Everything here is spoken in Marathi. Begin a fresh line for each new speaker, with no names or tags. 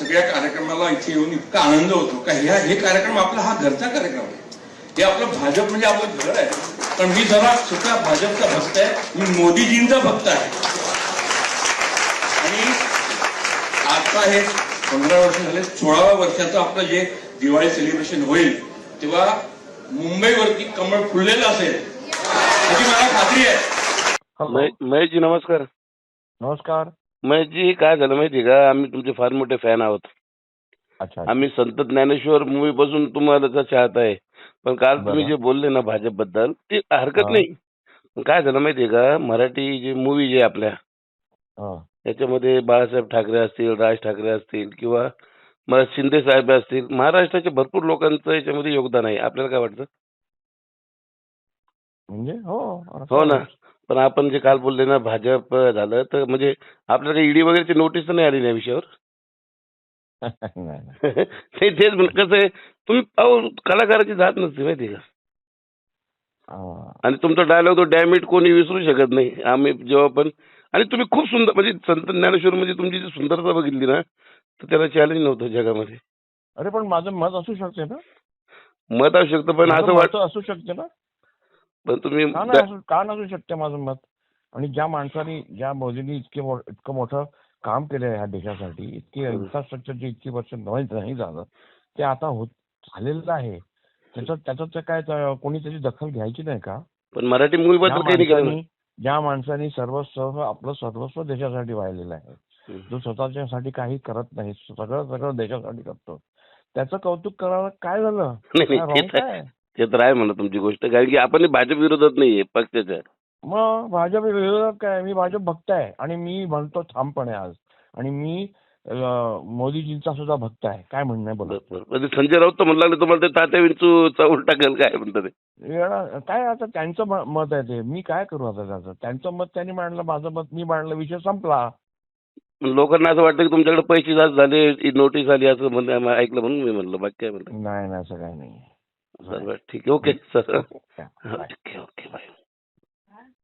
सगळ्या कार्यक्रमाला इथे येऊन इतका आनंद होतो का हे कार्यक्रम आपला हा घरचा कार्यक्रम आहे. हे आपलं भाजप म्हणजे आपलं घर आहे. पण मी जरा सुद्धा भाजपचा भक्त आहे, मी मोदीजींचा भक्त आहे. आणि आता हे 15 वर्ष झाले, 16व्या वर्षाचं आपलं जे दिवाळी सेलिब्रेशन होईल तेव्हा मुंबईवरती कमळ फुललेलं असेल याची मला खात्री आहे.
महेशजी नमस्कार.
नमस्कार.
महेशजी काय झालं माहिती का, आम्ही तुमचे फार मोठे फॅन आहोत.
अच्छा.
आम्ही संत ज्ञानेश्वर मूवी पासून तुम्हाला चाहत आहे. पण काल तुम्ही जे बोलले ना भाजप बद्दल ते हरकत नाही. पण काय झालं माहितीये का, मराठी जे मूवी जे आपल्या याच्यामध्ये बाळासाहेब ठाकरे असतील, राज ठाकरे असतील किंवा मला शिंदे साहेब असतील, महाराष्ट्राच्या भरपूर लोकांचं याच्यामध्ये योगदान आहे. आपल्याला काय वाटतं?
म्हणजे
हो ना. पण आपण जे काल बोलले ना भाजप झालं तर म्हणजे आपल्याला काही ईडी वगैरेची नोटीस तर नाही आली या विषयावर? तेच कसं आहे, तुम्ही कलाकाराची जात नसते माहिती का. आणि तुमचा डायलॉग तो डॅमिट कोणी विसरू शकत नाही. आम्ही जेव्हा पण आणि तुम्ही खूप सुंदर म्हणजे संत ज्ञानेश्वर म्हणजे तुमची जी सुंदरता बघितली ना तर त्याला चॅलेंज नव्हतं जगामध्ये.
अरे पण माझं मत असू शकते ना.
मत असू शकतं पण असं वाटतं
असू शकते ना.
पण तुम्ही
का नसू शकते माझं मत. आणि ज्या माणसाने ज्या मोदींनी इतकं मोठं काम केलं ह्या देशासाठी, इतकी इन्फ्रास्ट्रक्चरची इतकी वर्ष नाही झालं ते आता झालेलं आहे. त्याचं काय कोणी त्याची दखल घ्यायची नाही का.
पण मराठी मूवी बद्दल काही नाही केलं.
ज्या माणसाने आपलं सर्वस्व देशासाठी वाहिलेलं आहे, जो स्वतःच्यासाठी काही करत नाही, सगळं देशासाठी करतो, त्याचं कौतुक करायला काय झालं.
ते तर आहे म्हणा तुमची गोष्ट, कारण की आपण भाजप विरोधात नाहीये पक्षाच्या.
मग भाजप विरोधात काय, मी भाजप भक्त आहे आणि मी म्हणतो ठामपणे आज. आणि मी मोदीजींचा सुद्धा भक्त आहे. काय म्हणणं आहे बोला.
संजय राऊत तर म्हणू लागले तुम्हाला ते तात्या विंचूचा उलटा केलं काय म्हणतात ते.
काय आता त्यांचं मत आहे ते, मी काय करू आता त्याचं. त्यांचं मत त्यांनी मांडलं, माझं मत मी मांडलं, विषय संपला.
लोकांना असं वाटतं की तुमच्याकडे पैसे जास्त झाले, नोटीस आली असं ऐकलं म्हणून मी म्हणलं. बाकी काय म्हणलं
नाही असं काही नाही.
ठीक आहे. Okay sir. Okay bye.